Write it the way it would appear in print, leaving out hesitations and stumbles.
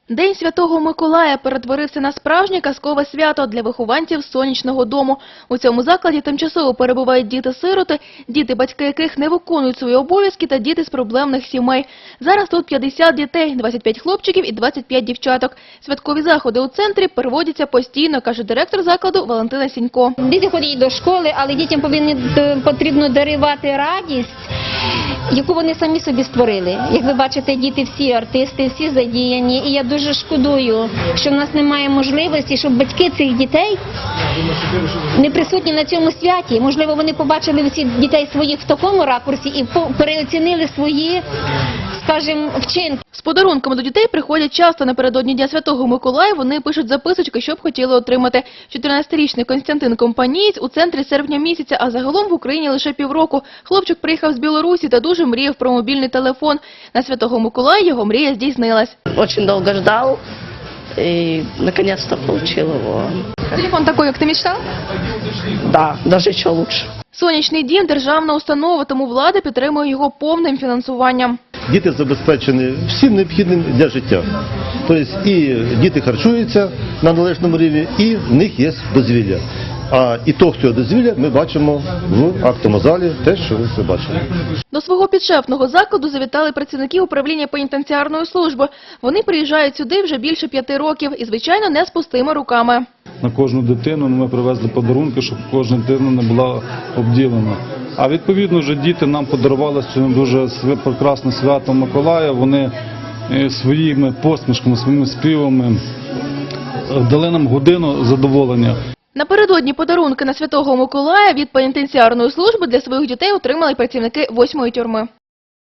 День Святого Миколая перетворився на справжнє казкове свято для вихованців сонячного дому. У цьому закладі тимчасово перебувають діти-сироти, діти, батьки яких не виконують свої обов'язки, та діти з проблемних сімей. Зараз тут 50 дітей, 25 хлопчиків і 25 дівчаток. Святкові заходи у центрі проводяться постійно, каже директор закладу Валентина Сінько. Діти ходять до школи, але дітям потрібно дарувати радість, яку вони самі собі створили. Як ви бачите, діти всі артисти, всі задіяні. І я дуже шкодую, що в нас немає можливості, щоб батьки цих дітей не присутні на цьому святі. Можливо, вони побачили всіх дітей своїх в такому ракурсі і переоцінили свої, скажімо, вчинки. З подарунками до дітей приходять часто. Напередодні Дня Святого Миколая вони пишуть записочки, що б хотіли отримати. 14-річний Костянтин Компанієць у центрі з серпня місяця, а загалом в Україні лише півроку. Хлопчик приїхав з Білорусі та дуже мріяв про мобільний телефон. На Святого Миколая його мрія здійснилась. Очень долго ждал и наконец-то получил его. Телефон такой, як ти мечтав? Да, даже еще лучше. Сонячний дім – державна установа, тому влада підтримує його повним фінансуванням. Діти забезпечені всім необхідним для життя. Тобто і діти харчуються на належному рівні, і в них є дозвілля. А ітог цього дозвілля ми бачимо в актовому залі, те, що ви все бачили. До свого підшефного закладу завітали працівники управління пенітенціарної служби. Вони приїжджають сюди вже більше 5 років і, звичайно, не з пустими руками. На кожну дитину ми привезли подарунки, щоб кожна дитина не була обділена. А відповідно вже діти нам подарували сьогодні дуже прекрасне свято Миколая. Вони своїми посмішками, своїми співами дали нам годину задоволення. Напередодні подарунки на Святого Миколая від пенітенціарної служби для своїх дітей отримали працівники 8-ї тюрми.